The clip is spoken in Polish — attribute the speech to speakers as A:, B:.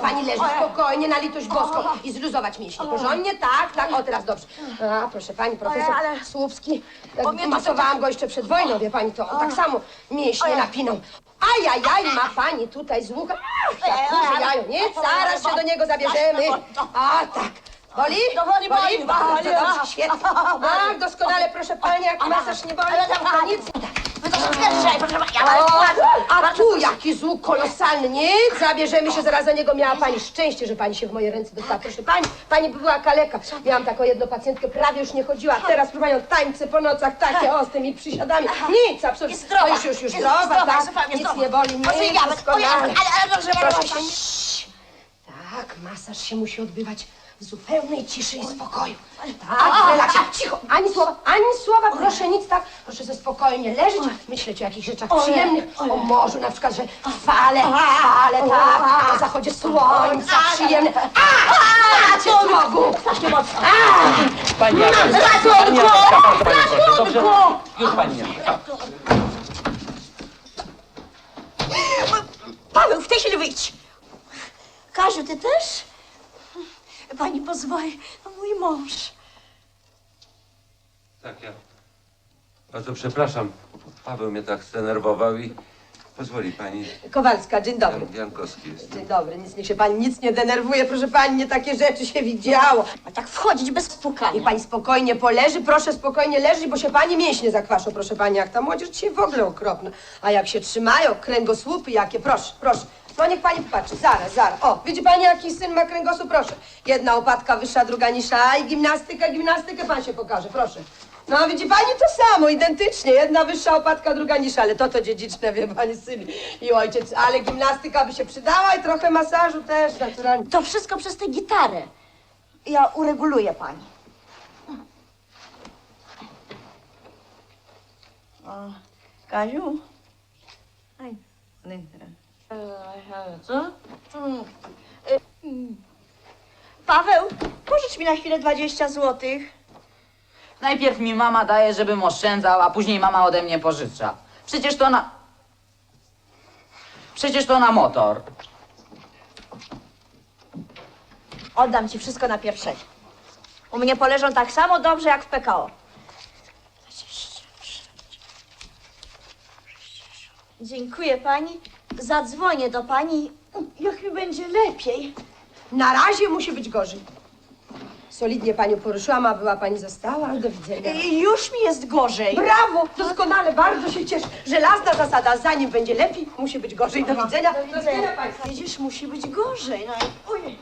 A: pani leży spokojnie, na litość boską i zluzować mięśnie. Porządnie, tak, o teraz dobrze. A, proszę pani, profesor Słupski, masowałam go jeszcze przed wojną, wie pani, to on tak samo mięśnie napinał. Ajajaj, ma pani tutaj z łuka. Jak duże jajo, nie? Zaraz się do niego zabierzemy. A, tak. Boli? Boli? Bardzo dobrze, świetnie. Tak, doskonale, proszę pani, jak masaż nie boli, to nic nie da. A tu jaki złuk kolosalny, nie? Zabierzemy się zaraz za niego. Miała pani szczęście, że pani się w moje ręce dostała. Proszę pani by była kaleka. Miałam taką jedną pacjentkę, prawie już nie chodziła. Teraz próbują tańce po nocach, takie o, z tymi przysiadami. Nic, absolutnie.
B: Zdrowa.
A: To już zdrowa, tak? Nic nie boli, nie, doskonale. Proszę się nie... Tak, masaż się musi odbywać w zupełnej ciszy i spokoju. Tak, relaksie. Cicho, ani słowa, proszę nic, tak? Proszę ze spokojnie leżeć, myśleć o jakichś rzeczach przyjemnych, o morzu na przykład, że fale, tak, na zachodzie słońca, przyjemne. Macie smogu! Takie mocno.
C: Pani Agata, bardzo pani proszę, dobrze? Już pani nie.
B: Paweł, w tej chwili wyjdź. Kaziu, ty też? Pani pozwoli, mój mąż.
D: Tak, ja bardzo przepraszam. Paweł mnie tak zdenerwował i pozwoli pani.
A: Kowalska, dzień dobry.
D: Jankowski jest.
A: Dzień dobry, niech się pani nic nie denerwuje, proszę pani, nie takie rzeczy się widziało.
B: A tak wchodzić bez pukania.
A: Niech pani spokojnie poleży, proszę spokojnie leżeć, bo się pani mięśnie zakwaszą, proszę pani, jak ta młodzież dzisiaj w ogóle okropna. A jak się trzymają, kręgosłupy jakie, proszę. No niech pani popatrzy, zaraz. O, widzi pani jaki syn ma kręgosłup, proszę. Jedna łopatka wyższa, druga niższa i gimnastykę pan się pokaże, proszę. No widzi pani to samo, identycznie, jedna wyższa łopatka, druga niższa, ale to dziedziczne, wie pani, syn i ojciec, ale gimnastyka by się przydała i trochę masażu też, naturalnie.
B: To wszystko przez tę gitarę. Ja ureguluję pani. O, Kaziu? Aj, co? Paweł, pożycz mi na chwilę 20 złotych.
E: Najpierw mi mama daje, żebym oszczędzał, a później mama ode mnie pożycza. Przecież to na motor.
B: Oddam ci wszystko na pierwszej. U mnie poleżą tak samo dobrze jak w PKO. Dziękuję pani. Zadzwonię do pani, jak mi będzie lepiej.
A: Na razie musi być gorzej. Solidnie panią poruszyłam, a była pani została. Do widzenia.
B: Już mi jest gorzej.
A: Brawo! Doskonale, bardzo się cieszę. Żelazna zasada, zanim będzie lepiej, musi być gorzej. Do widzenia.
B: Do widzenia. Widzisz, musi być gorzej. No i... Ojej.